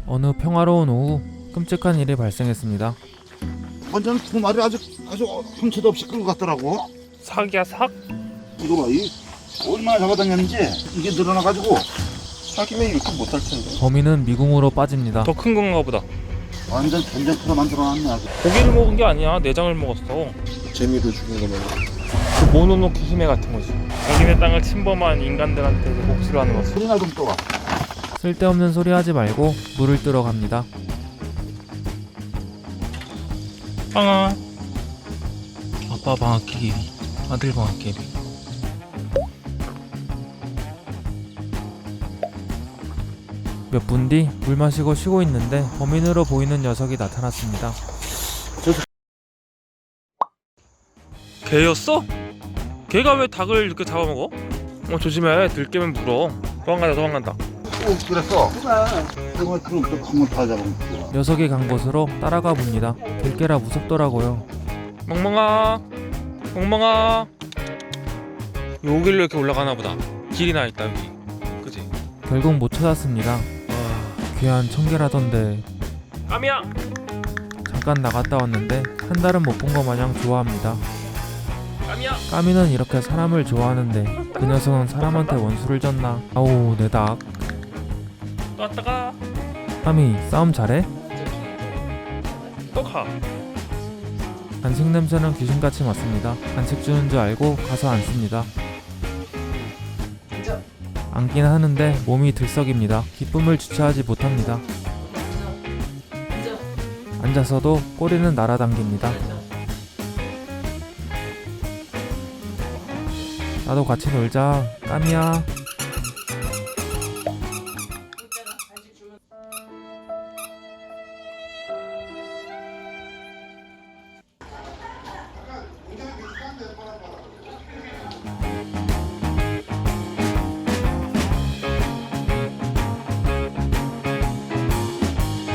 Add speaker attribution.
Speaker 1: 어느 평화로운 오후 끔찍한 일이 발생했습니다.
Speaker 2: 완전 두 마리 아주 흠채도 없이 끌고 갔더라고.
Speaker 3: 삭이야 삭?
Speaker 2: 이거 봐, 이 얼마나 잡아다녔는지 이게 늘어나가지고
Speaker 4: 사기면 이렇게 못할 텐데.
Speaker 1: 범인은 미궁으로 빠집니다.
Speaker 3: 더 큰 건가 보다.
Speaker 2: 완전 전쟁터로 만들어놨네. 아주.
Speaker 3: 고기를 먹은 게 아니야. 내장을 먹었어.
Speaker 4: 재미로 죽인 거면.
Speaker 3: 그 모노노케 히메 같은 거지. 자기네 땅을 침범한 인간들한테 복수를 하는 거지.
Speaker 2: 소리나 좀 떠와.
Speaker 1: 쓸데없는 소리 하지 말고 물을 뜨러 갑니다.
Speaker 3: 빵아. 아빠 방학개비, 아들 방학개비.
Speaker 1: 몇 분 뒤 물 마시고 쉬고 있는데 범인으로 보이는 녀석이 나타났습니다.
Speaker 3: 개였어? 개가 왜 닭을 이렇게 잡아먹어? 조심해. 들깨면 물어. 도망간다.
Speaker 2: 그랬어. 그래. 그럼 또 큰 거 다 잡아먹고.
Speaker 1: 녀석이 간 곳으로 따라가 봅니다. 들깨라 무섭더라고요.
Speaker 3: 멍멍아. 여기로 이렇게 올라가나 보다. 길이 나 있다 여기. 그지?
Speaker 1: 결국 못 찾았습니다. 귀한 청개라던데
Speaker 3: 까미야.
Speaker 1: 잠깐 나갔다 왔는데 한 달은 못 본 거 마냥 좋아합니다.
Speaker 3: 까미야.
Speaker 1: 까미는 이렇게 사람을 좋아하는데 그 녀석은 사람한테 원수를 졌나. 아우 내 닭.
Speaker 3: 또 왔다가
Speaker 1: 까미 싸움 잘해?
Speaker 3: 또 가.
Speaker 1: 간식 냄새는 귀신같이 맡습니다. 간식 주는 줄 알고 가서 앉습니다. 앉긴 하는데 몸이 들썩입니다. 기쁨을 주체하지 못합니다. 앉아서도 꼬리는 날아당깁니다. 나도 같이 놀자. 까미야.